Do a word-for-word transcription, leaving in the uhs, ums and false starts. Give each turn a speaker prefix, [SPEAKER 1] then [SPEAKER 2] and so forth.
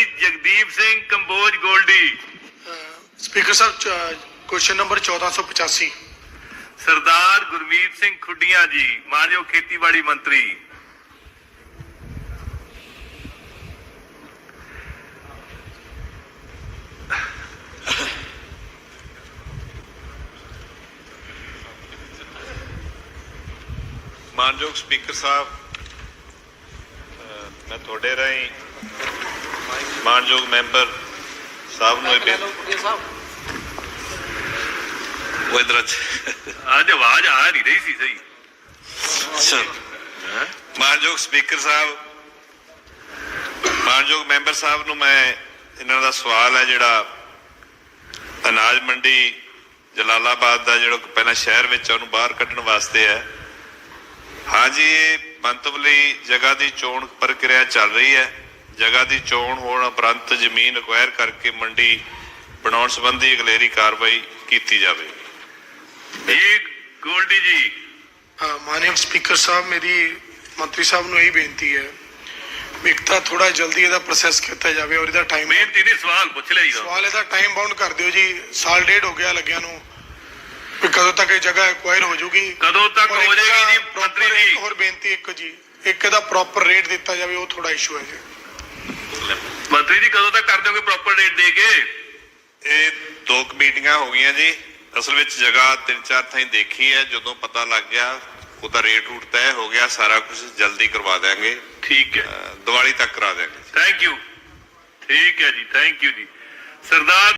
[SPEAKER 1] ਜੀ ਜਗਦੀਪ ਸਿੰਘ ਕੰਬੋਜ ਗੋਲਡੀ।
[SPEAKER 2] ਸਪੀਕਰ ਸਾਹਿਬ question number ਚੌਦਾਂ ਸੌ ਪਚਾਸੀ।
[SPEAKER 1] ਸਰਦਾਰ ਗੁਰਮੀਤ ਸਿੰਘ ਖੁੱਡੀਆਂ ਜੀ, ਮਾਨਯੋਗ ਖੇਤੀਬਾੜੀ ਮੰਤਰੀ।
[SPEAKER 3] ਮਾਨਯੋਗ ਸਪੀਕਰ ਸਾਹਿਬ, ਮੈਂ ਤੁਹਾਡੇ ਰਾਹੀਂ ਮਾਨਯੋਗ ਮੈਂਬਰ ਸਾਹਿਬ ਨੂੰ ਇਹ ਉਹ ਇਧਰ
[SPEAKER 1] ਅੱਜ ਆਵਾਜ਼ ਆ ਨਹੀਂ ਰਹੀ ਸੀ ਸਹੀ।
[SPEAKER 3] ਮਾਨਯੋਗ ਸਪੀਕਰ ਸਾਹਿਬ, ਮਾਨਯੋਗ ਮੈਂਬਰ ਸਾਹਿਬ ਨੂੰ ਮੈਂ ਇਹਨਾਂ ਦਾ ਸਵਾਲ ਹੈ ਜਿਹੜਾ ਅਨਾਜ ਮੰਡੀ ਜਲਾਲਾਬਾਦ ਦਾ ਜਿਹੜਾ ਪਹਿਲਾਂ ਸ਼ਹਿਰ ਵਿੱਚ ਉਹਨੂੰ ਬਾਹਰ ਕੱਢਣ ਵਾਸਤੇ ਹੈ। ਹਾਂਜੀ, ਇਹ ਮੰਤਵ ਲਈ ਜਗ੍ਹਾ ਦੀ ਚੋਣ ਪ੍ਰਕਿਰਿਆ ਚੱਲ ਰਹੀ ਹੈ। ਜਗ੍ਹਾ ਦੀ ਚੋਣ ਹੋਣ ਉਪਰੰਤ ਜ਼ਮੀਨ ਅਕਵਾਇਰ ਕਰਕੇ ਮੰਡੀ ਬਣਾਉਣ ਸੰਬੰਧੀ ਅਗਲੇਰੀ ਕਾਰਵਾਈ ਕੀਤੀ ਜਾਵੇ।
[SPEAKER 1] ਜੀ ਗੋਲਡੀ ਜੀ।
[SPEAKER 2] ਮਾਨਯੋਗ ਸਪੀਕਰ ਸਾਹਿਬ, ਮੇਰੀ ਮੰਤਰੀ ਸਾਹਿਬ ਨੂੰ ਇਹ ਬੇਨਤੀ ਹੈ ਵੀ ਇੱਕ ਤਾਂ ਥੋੜਾ ਜਲਦੀ ਇਹਦਾ ਪ੍ਰੋਸੈਸ ਕੀਤਾ ਜਾਵੇ ਔਰ ਇਹਦਾ ਟਾਈਮ
[SPEAKER 1] ਬੇਨਤੀ ਨਹੀਂ, ਸਵਾਲ ਪੁੱਛ ਲਿਆ ਜੀ।
[SPEAKER 2] ਸਵਾਲ ਇਹਦਾ ਟਾਈਮ ਬਾਉਂਡ ਕਰ ਦਿਓ ਜੀ। ਸਾਲ ਡੇਢ ਹੋ ਗਿਆ ਲੱਗਿਆ ਨੂੰ ਵੀ ਕਦੋਂ ਤੱਕ ਇਹ ਜਗ੍ਹਾ ਐਕਵਾਇਰ ਹੋ ਜਾਊਗੀ,
[SPEAKER 1] ਕਦੋਂ ਤੱਕ ਹੋ ਜਾਏਗੀ ਜੀ ਮੰਤਰੀ ਜੀ।
[SPEAKER 2] ਹੋਰ ਬੇਨਤੀ ਇੱਕ ਜੀ, ਇੱਕ ਇਹਦਾ ਪ੍ਰੋਪਰ ਰੇਟ ਦਿੱਤਾ ਜਾਵੇ, ਉਹ ਥੋੜਾ ਇਸ਼ੂ ਹੈ ਜੀ।
[SPEAKER 1] ਮੰਤਰੀ ਜੀ ਕਦੋਂ ਤੱਕ ਕਰ ਦਿਓਗੇ ਪ੍ਰੋਪਰ ਰੇਟ ਦੇ ਕੇ?
[SPEAKER 3] ਇਹ ਦੋ ਮੀਟਿੰਗਾਂ ਹੋ ਗਈਆਂ ਜੀ। ਅਸਲ ਵਿੱਚ ਜਗ੍ਹਾ ਤਿੰਨ ਚਾਰ ਥਾਈਂ ਦੇਖੀ ਹੈ। ਜਦੋਂ ਪਤਾ ਲੱਗ ਗਿਆ ਉਹਦਾ ਰੇਟ ਰੂਟ ਤੈਅ ਹੋ ਗਿਆ, ਸਾਰਾ ਕੁਝ ਜਲਦੀ ਕਰਵਾ ਦਿਆਂਗੇ।
[SPEAKER 1] ਠੀਕ ਹੈ,
[SPEAKER 3] ਦੀਵਾਲੀ ਤੱਕ ਕਰਾ ਦਿਆਂਗੇ।
[SPEAKER 1] Thank you. ਠੀਕ ਹੈ ਜੀ, ਥੈਂਕ ਯੂ ਜੀ। ਸਰਦਾਰ